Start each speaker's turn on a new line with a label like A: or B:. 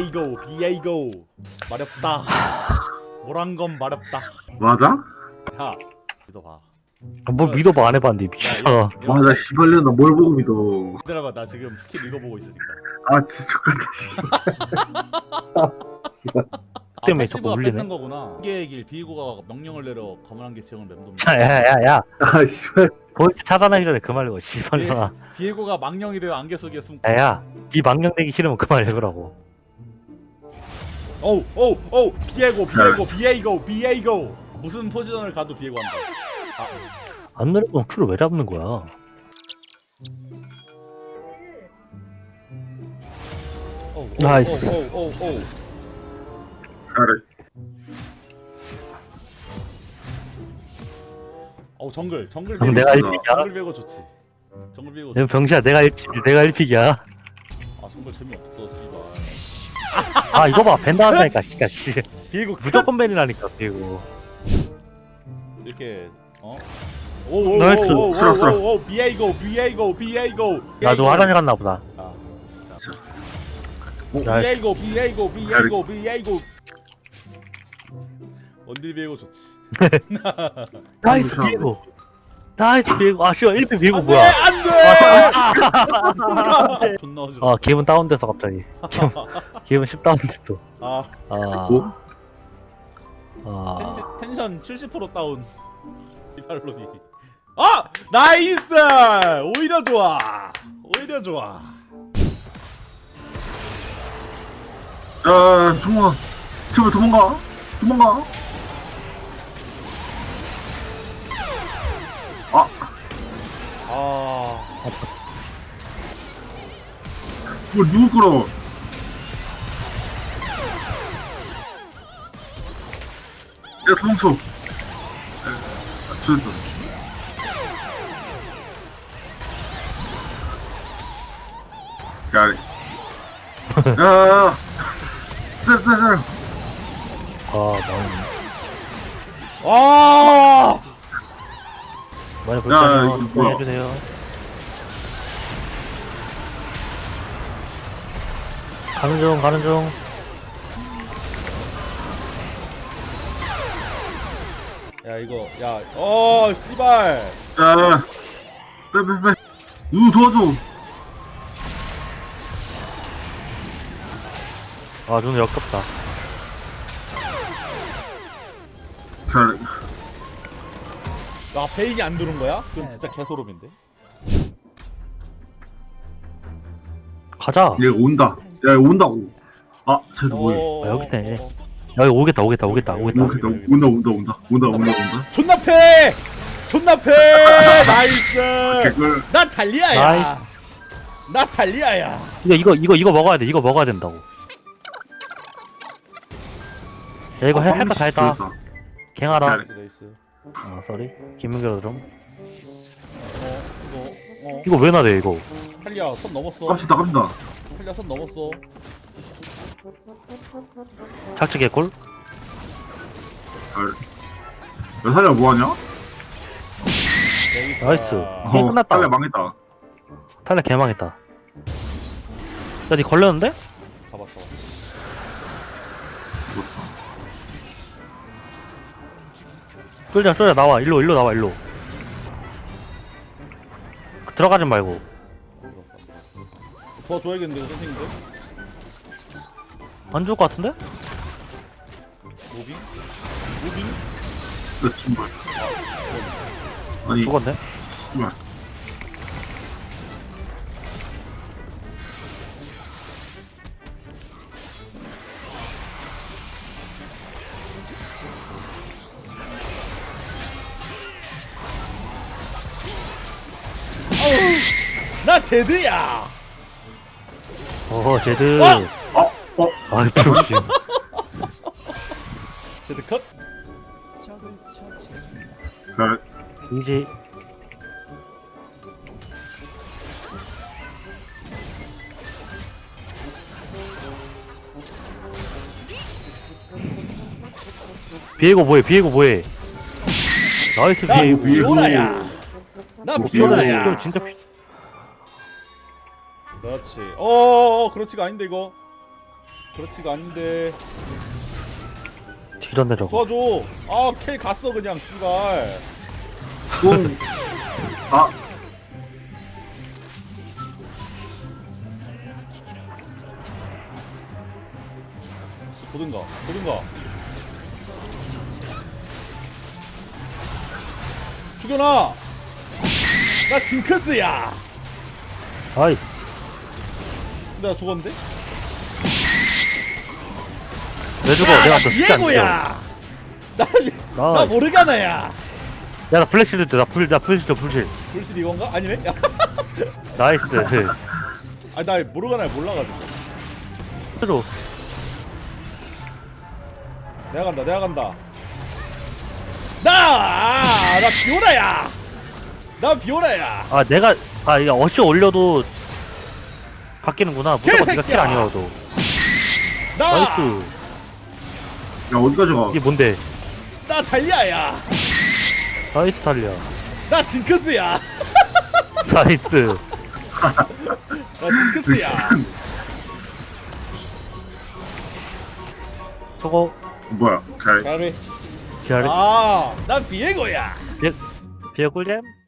A: 비에이고 마렵다. 뭐란 건 마렵다.
B: 맞아?
A: 자, 믿어봐.
C: 뭘 믿어봐 안 해봤는데 미쳐.
B: 맞아 씨발년 나뭘 보고 믿어.
A: 기다려봐, 나 지금 스킬 읽어보고 있으니까.
B: 아 진짜 X같다
C: 때문에
A: 패시브가
C: 자꾸 울리네.
A: 뺏는 거구나. 기계의 길 비고가 명령을 내려 검은 한개 지형을 맴돕니다.
C: 야야야야.
B: 아 씨발
C: 보이스 차단하기 전에 그만해고 씨발년아.
A: 비에고가 망령이 되어 안개 속에 숨고.
C: 야야. 네 망령 내기 싫으면 그만해보라고.
A: 오우 비에고 무슨 포지션을 가도 비에고 한다.
C: 안 내려면 큐를 왜 잡는 거야? 나이스.
A: 오우.
B: 잘해.
A: 정글
C: 그럼 내가
A: 비에고
C: 1픽이야?
A: 정글 비에고 좋지. 정글 비에고
C: 내 병신아 내가 1픽이야.
A: 아 정글 재미없어 씨발.
C: 아 이거 봐 밴드 한다니까 진짜 씨.
A: 비에고
C: 무조건 밴이라니까 비고.
A: 이렇게
C: 나이스.
A: 오오오오오오 비에고
C: 나도 화장실 갔나 보다. 나이스.
A: 비에고 원딜 비에고 좋지.
C: 나이스 비고. 나이스 비고. 아 씨발 1픽 비고
A: 안돼
C: 뭐야?
A: 안돼. 존나 어지러.
C: 아 기분 다운돼서 갑자기. 기분 10 다운됐어.
A: 아
C: 아. 아.
A: 텐션 70% 다운. 이발로니. 나이스. 오히려 좋아.
B: 야 도망가. 제발 도망가. 뭐 누구 끌어? 야 도망쳐. 죽였다. 야. 쎄.
C: 아 망.
A: 아
C: 많이
B: 야,
C: 볼까요?
B: 이거 뭐야?
C: 해주세요. 가는 중.
A: 야 이거 씨발.
B: 야. 빼. 누구 도와줘.
C: 아 눈이 역겹다.
B: 잘해.
A: 나 베인이 안 들은 거야? 그럼 진짜 개소름인데.
C: 가자.
B: 얘 온다. 야 온다고. 아 쟤도 뭐해?
C: 아, 여기네. 여기 오겠다.
B: 온다.
A: 존나 패. 나이스.
B: 개꿀.
A: 나 달리아야.
C: 나이스.
A: 나 달리아야.
C: 이거 먹어야 돼. 이거 먹어야 된다고. 야 이거 할 거 다 했다.
B: 죽였다.
C: 갱하라.
B: 잘해.
A: 나이스.
C: 아 쏘리. 김민규 좀.
A: 이거
C: 이거 왜 나대 이거?
A: 탈리아 선 넘었어.
B: 갑시다.
A: 탈리아 선 넘었어.
C: 착지 개꿀.
B: 야 사냐 뭐하냐?
C: 나이스. 게임 끝났다.
B: 빨리 망했다.
C: 탈락 개망했다. 야 니 걸렸는데?
A: 잡았어.
C: 쫄자 나와. 일로 나와. 들어가지 말고.
A: 도와줘야겠는데 선생님들.
C: 안 죽을 것 같은데?
A: 무빙?
B: 나 정말. 아니
C: 죽었네.
B: 정말.
A: 나 제드야.
C: 제드. 아이 병신.
A: 제드 컷.
B: 잘해.
C: 이제 비에고 뭐해? 나이스
A: 나
C: 비에고.
A: 비오라야. 나 비오라야.
C: 진짜
A: 그렇지. 그렇지가 아닌데 이거. 그렇지가 않은데.
C: 뒤졌네 저거.
A: 도와줘. 아, 켈 갔어 그냥 씨발.
B: 똥. 아,
A: 보든가. 보든가. 죽여놔. 나 징크스야.
C: 나이스.
A: 근데 나 죽었는데?
C: 왜 죽어?
A: 야,
C: 내가
A: 나
C: 또 쉽지 않죠.
A: 비에고야. 나
C: 나이스.
A: 모르가나야.
C: 야나 블랙실드 나 불실 불실.
A: 불실 이건가? 아니네.
C: 나이스.
A: 아, 나 모르가나를 몰라가지고.
C: 로
A: 내가 간다. 나 비오라야. 나 비오라야.
C: 아 내가 이게 어시 올려도 바뀌는구나. 무조건 네가 킬
A: 개새끼야.
C: 아니어도.
A: 나
C: 나이스.
B: 야, 어디까지 가?
C: 이게 뭔데?
A: 나 달리아야.
C: 나이스 달려.
A: 나 징크스야.
C: 나이스.
A: 나 징크스야.
C: 저거
B: 뭐야? 오케이.
A: 잘해.
C: 기다려.
A: 아, 난 비에고야.
C: 비에 꿀잼?